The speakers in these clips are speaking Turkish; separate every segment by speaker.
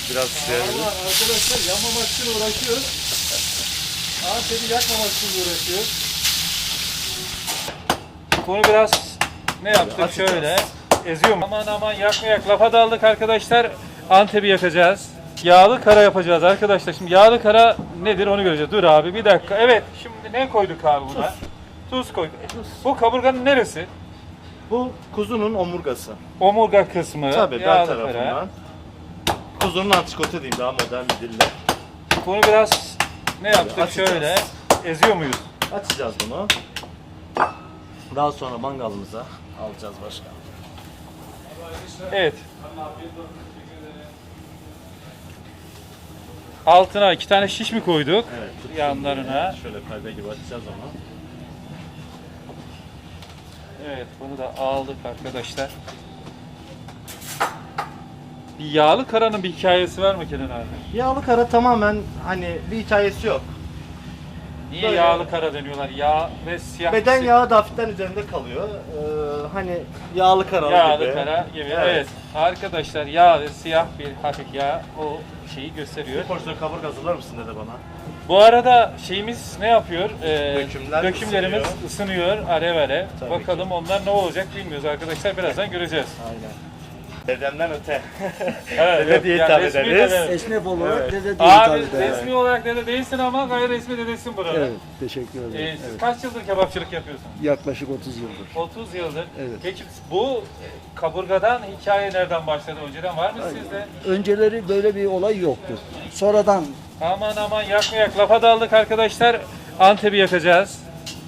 Speaker 1: Biraz sıyırabilir.
Speaker 2: Arkadaşlar yanmamak için uğraşıyor. Antep'i yakmamak için uğraşıyor.
Speaker 3: Bunu biraz ne yaptık şöyle eziyorum. Aman aman yakmayak lafa daldık arkadaşlar. Antep'i yakacağız. Yağlı kara yapacağız arkadaşlar. Şimdi yağlı kara nedir onu göreceğiz. Dur abi bir dakika. Evet şimdi ne koyduk abi buna? Tuz koyduk. Bu kaburganın neresi?
Speaker 1: Bu kuzunun omurgası.
Speaker 3: Omurga kısmı.
Speaker 1: Tabii bel
Speaker 3: yağlı
Speaker 1: tarafından.
Speaker 3: kara.
Speaker 1: Kuzunun antrikotu diyeyim daha modern bir dille.
Speaker 3: Bunu biraz ne yaptık
Speaker 1: açacağız.
Speaker 3: şöyle eziyor muyuz?
Speaker 1: Açacağız bunu. Daha sonra mangalımıza alacağız başka.
Speaker 3: Evet. Altına 2 tane şiş mi koyduk?
Speaker 1: Evet.
Speaker 3: Yanlarına.
Speaker 1: Şöyle perde gibi açacağız onu.
Speaker 3: Evet bunu da aldık arkadaşlar. Bir yağlı karanın bir hikayesi var mı Kenan abi?
Speaker 1: Yağlı kara tamamen hani bir hikayesi yok.
Speaker 3: Niye
Speaker 1: Böyle-
Speaker 3: yağlı kara deniyorlar? Yağ ve siyah.
Speaker 1: Beden yağı da hafiften üzerinde kalıyor. Hani yağlı karalı
Speaker 3: Yağlı
Speaker 1: gibi.
Speaker 3: kara gibi. Evet.
Speaker 1: Evet.
Speaker 3: Arkadaşlar yağ ve siyah bir hafif yağ o şeyi gösteriyor.
Speaker 1: Bir porsiyon kaburga hazırlar mısın dede bana?
Speaker 3: Bu arada şeyimiz ne yapıyor?
Speaker 1: Dökümlerimiz
Speaker 3: ısınıyor alev alev.
Speaker 1: Tabii
Speaker 3: Bakalım onlar ne olacak bilmiyoruz arkadaşlar. Birazdan göreceğiz.
Speaker 1: Aynen. Dedemden öte.
Speaker 3: Evet,
Speaker 1: Dede diye
Speaker 3: yani
Speaker 1: hitap
Speaker 3: resmi
Speaker 1: ederiz.
Speaker 3: dede.
Speaker 2: Esnaf olarak
Speaker 1: Evet.
Speaker 2: dede diye
Speaker 3: Abi
Speaker 2: hitap eder.
Speaker 3: resmi olarak dede değilsin ama gayri resmi dedesin burada.
Speaker 2: Evet, teşekkür ederim.
Speaker 3: Siz
Speaker 2: Evet.
Speaker 3: kaç yıldır kebapçılık yapıyorsun?
Speaker 2: Yaklaşık 30 yıldır.
Speaker 3: 30 yıldır.
Speaker 2: Evet.
Speaker 3: Peki bu kaburgadan hikaye nereden başladı? Önceden var mı sizde?
Speaker 2: Önceleri böyle bir olay yoktu. Sonradan
Speaker 3: Aman aman yakmayak lafa daldık arkadaşlar. Antep'i yakacağız.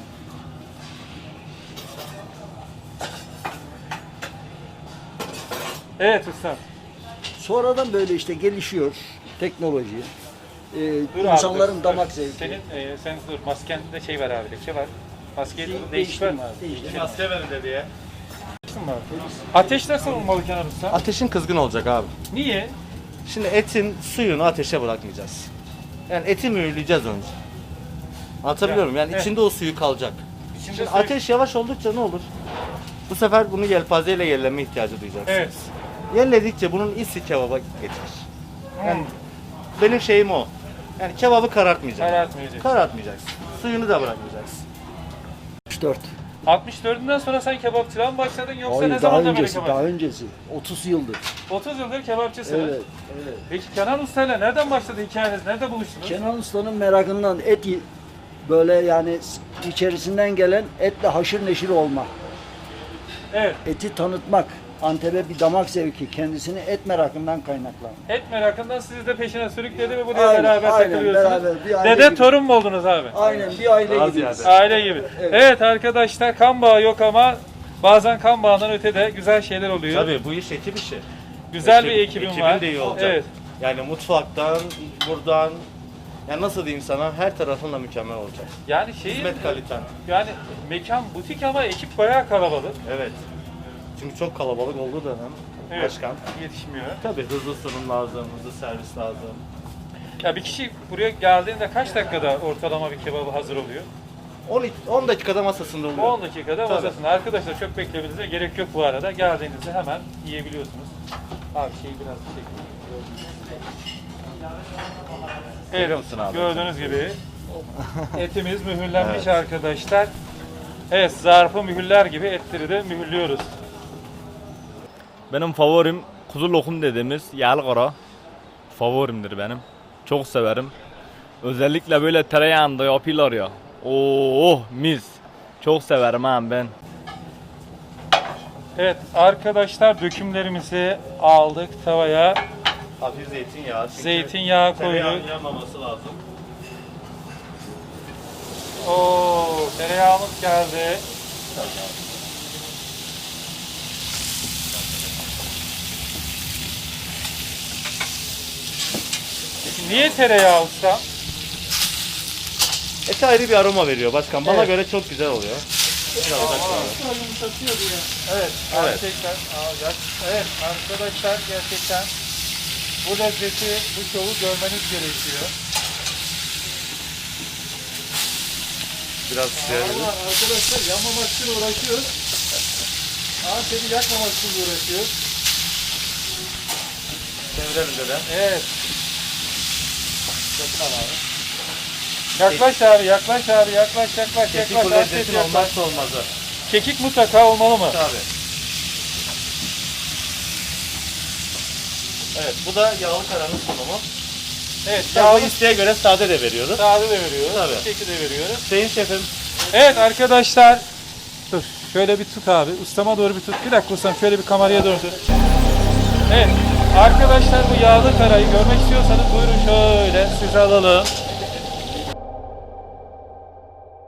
Speaker 3: Evet usta.
Speaker 2: sonradan böyle işte gelişiyor teknoloji.
Speaker 3: Dur abi,
Speaker 2: insanların
Speaker 3: dur.
Speaker 2: damak zevki.
Speaker 3: Sen dur maskende şey var abi leke var. Maskeyi değiştir
Speaker 2: Değiştirme
Speaker 3: mi
Speaker 2: abi,
Speaker 3: abi?
Speaker 2: değiştirme.
Speaker 1: Maske verin dedeye.
Speaker 3: Değiştirme abi. Ateş nasıl olmalı Kenan usta?
Speaker 1: Ateşin kızgın olacak abi.
Speaker 3: Niye?
Speaker 1: Şimdi etin suyunu ateşe bırakmayacağız. Yani eti mühürleyeceğiz önce. Anlatabiliyor muyum? Yani
Speaker 3: Evet.
Speaker 1: içinde o suyu kalacak.
Speaker 3: İçinde
Speaker 1: Şimdi
Speaker 3: suyu-
Speaker 1: ateş yavaş oldukça ne olur? Bu sefer bunu yelpazeyle yerleme ihtiyacı duyacaksınız.
Speaker 3: Evet.
Speaker 1: Yerledikçe bunun isi kebaba geçer. Yani
Speaker 3: Hmm.
Speaker 1: benim şeyim o. Yani kebabı karartmayacaksın.
Speaker 3: Karartmayacak.
Speaker 1: Karartmayacaksın. Suyunu da bırakmayacaksın.
Speaker 2: 64.
Speaker 3: 64'ünden sonra sen kebapçılığa mı başladın yoksa
Speaker 2: Hayır,
Speaker 3: ne
Speaker 2: daha
Speaker 3: zaman böyle
Speaker 2: öncesi,
Speaker 3: kebapçı?
Speaker 2: daha öncesi. 30 yıldır.
Speaker 3: 30 yıldır kebapçısınız.
Speaker 2: Evet, evet.
Speaker 3: Peki Kenan Usta'yla nereden başladı hikayeniz? Nerede buluştunuz?
Speaker 2: Kenan Usta'nın merakından böyle yani içerisinden gelen etle haşır neşir olma.
Speaker 3: Evet.
Speaker 2: Eti tanıtmak. Antep'e bir damak zevki. Kendisini et merakından kaynaklanıyor.
Speaker 3: Et merakından sizi de peşine sürükledi ve buraya
Speaker 2: Aynen,
Speaker 3: beraber
Speaker 2: aynen,
Speaker 3: takılıyorsunuz.
Speaker 2: beraber, bir aile
Speaker 3: Dede
Speaker 2: gibi.
Speaker 3: torun mu oldunuz abi?
Speaker 2: Aynen bir aile
Speaker 1: Daha
Speaker 2: gibiyiz.
Speaker 1: ziyade.
Speaker 3: Aile gibi.
Speaker 2: Evet.
Speaker 3: Evet arkadaşlar kan bağı yok ama bazen kan bağından öte de güzel şeyler oluyor.
Speaker 1: Tabii bu iş ekip işi.
Speaker 3: Güzel bir ekibim
Speaker 1: ekibin
Speaker 3: var.
Speaker 1: de iyi olacak.
Speaker 3: Evet.
Speaker 1: Yani mutfaktan, buradan, yani nasıl diyeyim sana, her tarafınla mükemmel olacak.
Speaker 3: Yani şeyin
Speaker 1: Hizmet kaliten.
Speaker 3: yani mekan butik ama ekip bayağı kalabalık.
Speaker 1: Evet. Çünkü çok kalabalık olduğu dönem.
Speaker 3: Evet.
Speaker 1: Başkan.
Speaker 3: Yetişmiyor.
Speaker 1: Tabii hızlı sunum lazım, hızlı servis lazım.
Speaker 3: Ya bir kişi buraya geldiğinde kaç dakikada ortalama bir kebabı hazır oluyor?
Speaker 1: 10 dakikada masasında oluyor.
Speaker 3: 10 dakikada
Speaker 1: Tabii.
Speaker 3: masasında. Arkadaşlar çok beklemenize gerek yok bu arada. Geldiğinizde hemen yiyebiliyorsunuz. Abi şeyi biraz çekeyim.
Speaker 1: Görüyor musun abi?
Speaker 3: Gördüğünüz gibi etimiz mühürlenmiş
Speaker 1: Evet.
Speaker 3: arkadaşlar. Evet, zarfı mühürler gibi etleri de mühürlüyoruz.
Speaker 4: Benim favorim kuzu lokum dediğimiz yağlı kara. Favorimdir benim. Çok severim. Özellikle böyle tereyağında yapıyorlar ya. Oo mis. Çok severim ha ben.
Speaker 3: Evet arkadaşlar dökümlerimizi aldık tavaya.
Speaker 1: Hafif zeytinyağı. Çünkü
Speaker 3: Zeytinyağı
Speaker 1: tereyağının
Speaker 3: koyduk.
Speaker 1: yanmaması lazım.
Speaker 3: Oo, tereyağımız geldi. Peki niye tereyağı usta?
Speaker 1: Ete ayrı bir aroma veriyor başkan. Bana
Speaker 2: Evet.
Speaker 1: göre çok güzel oluyor. Biraz da şöyle.
Speaker 3: Evet,
Speaker 1: Evet.
Speaker 3: gerçekten. Evet arkadaşlar gerçekten bu lezzeti, bu şovu görmeniz gerekiyor.
Speaker 1: Biraz sıyırabilir.
Speaker 2: Arkadaşlar yanmamak için uğraşıyor. Antep'i yakmamak için uğraşıyor.
Speaker 1: Çevirelim dedem.
Speaker 3: Evet. Yaklaş abi, yaklaş abi, yaklaş.
Speaker 1: Kekik bu
Speaker 3: Antep
Speaker 1: lezzetin
Speaker 3: yaklaş.
Speaker 1: olmazsa olmazı.
Speaker 3: Kekik mutlaka olmalı mı?
Speaker 1: Tabii. Evet, bu da yağlı karanın sunumu.
Speaker 3: Evet,
Speaker 1: Bu
Speaker 3: yağlı
Speaker 1: isteğe göre sade de veriyoruz.
Speaker 3: sade de veriyoruz.
Speaker 1: Tabii.
Speaker 3: Keki de veriyoruz.
Speaker 1: Sayın şefim,
Speaker 3: Evet arkadaşlar. Dur, şöyle bir tut abi. Ustama doğru bir tut. Bir dakika ustam, şöyle bir kameraya doğru tut. Evet, arkadaşlar bu yağlı karayı görmek istiyorsanız buyurun şöyle size alalım.